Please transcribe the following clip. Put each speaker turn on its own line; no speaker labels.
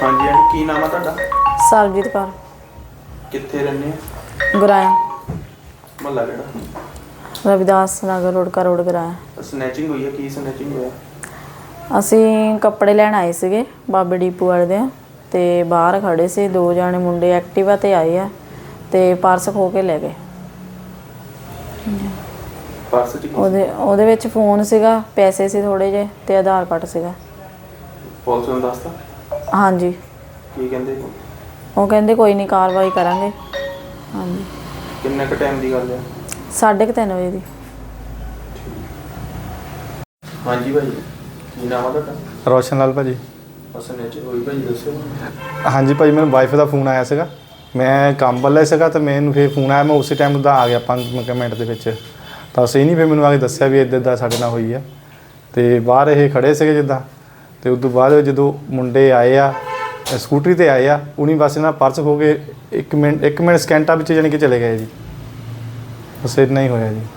हाँ जी आंटी की नाम है ਤੁਹਾਡਾ?
ਸਰਬਜੀਤ ਕੌਰ।
ਕਿੱਥੇ ਰਹਿੰਦੇ ਆ?
ਗੁਰਾਇਆ।
ਮਹੱਲਾ ਕਿਹੜਾ?
ਰਵਿਦਾਸ ਨਗਰ ਰੋਡ ਗੁਰਾਇਆ।
ਸਨੈਚਿੰਗ ਹੋਈ ਹੈ, ਕੀ ਸਨੈਚਿੰਗ ਹੋਇਆ?
ਅਸੀਂ ਕੱਪੜੇ ਲੈਣ ਆਏ ਸੀਗੇ ਬਾਬੇ ਡੀਪੂ ਵਾਲੇ ਦੇ, ਤੇ ਬਾਹਰ ਖੜੇ ਸੀ 2 ਜਾਣੇ ਮੁੰਡੇ ਐਕਟਿਵਾ ਤੇ ਆਏ ਆ ਤੇ ਪਰਸ ਖੋ ਕੇ ਲੈ ਗਏ।
ਪਰਸ ਚ
ਉਹਦੇ ਵਿੱਚ ਫੋਨ ਸੀਗਾ, ਪੈਸੇ ਸੀ ਥੋੜੇ ਜਿਹੇ ਤੇ ਆਧਾਰ ਕਾਰਡ ਸੀਗਾ।
ਪੁਲਿਸ ਨੂੰ ਦੱਸਤਾ?
ਹਾਂਜੀ।
ਕੀ ਕਹਿੰਦੇ?
ਉਹ ਕਹਿੰਦੇ ਕੋਈ ਨਹੀਂ ਕਾਰਵਾਈ ਕਰਾਂਗੇ। ਹਾਂਜੀ।
ਕਿੰਨੇ ਕੁ ਟਾਈਮ ਦੀ ਗੱਲ ਹੈ?
3:30 ਵਜੇ ਦੀ।
ਹਾਂਜੀ ਭਾਈ ਕੀ ਨਾਮ ਆ ਤੁਹਾਡਾ?
ਰੋਸ਼ਨ ਲਾਲ ਭਾਜੀ।
ਸਨੈਚਿੰਗ ਹੋਈ ਭਾਜੀ ਦੱਸੋ।
ਹਾਂਜੀ ਭਾਜੀ, ਮੈਨੂੰ ਵਾਈਫ ਦਾ ਫੋਨ ਆਇਆ ਸੀਗਾ, ਮੈਂ ਕੰਮ ਵੱਲ ਸੀਗਾ ਤਾਂ ਮੈਨੂੰ ਫਿਰ ਫੋਨ ਆਇਆ, ਮੈਂ ਉਸੇ ਟਾਈਮ ਦਾ ਆ ਗਿਆ 5 ਮਿੰਟ ਦੇ ਵਿੱਚ। ਤਾਂ ਅਸੀਂ ਨਹੀਂ ਫਿਰ ਮੈਨੂੰ ਆ ਕੇ ਦੱਸਿਆ ਵੀ ਇੱਦਾਂ ਸਾਡੇ ਨਾਲ ਹੋਈ ਆ। ਅਤੇ ਬਾਹਰ ਇਹ ਖੜ੍ਹੇ ਸੀਗੇ ਜਿੱਦਾਂ, ਅਤੇ ਉਸ ਤੋਂ ਬਾਅਦ ਜਦੋਂ ਮੁੰਡੇ ਆਏ ਆ ਸਕੂਟਰੀ 'ਤੇ ਆਏ ਆ, ਉਹਨੀ ਬਸ ਇਹਨਾਂ ਪਰਸ ਖੋ ਕੇ 1 ਮਿੰਟ ਸਕਿੰਟਾਂ ਵਿੱਚ ਜਾਣੀ ਕਿ ਚਲੇ ਗਏ ਜੀ। ਬਸ ਇੰਨਾ ਹੀ ਹੋਇਆ ਜੀ।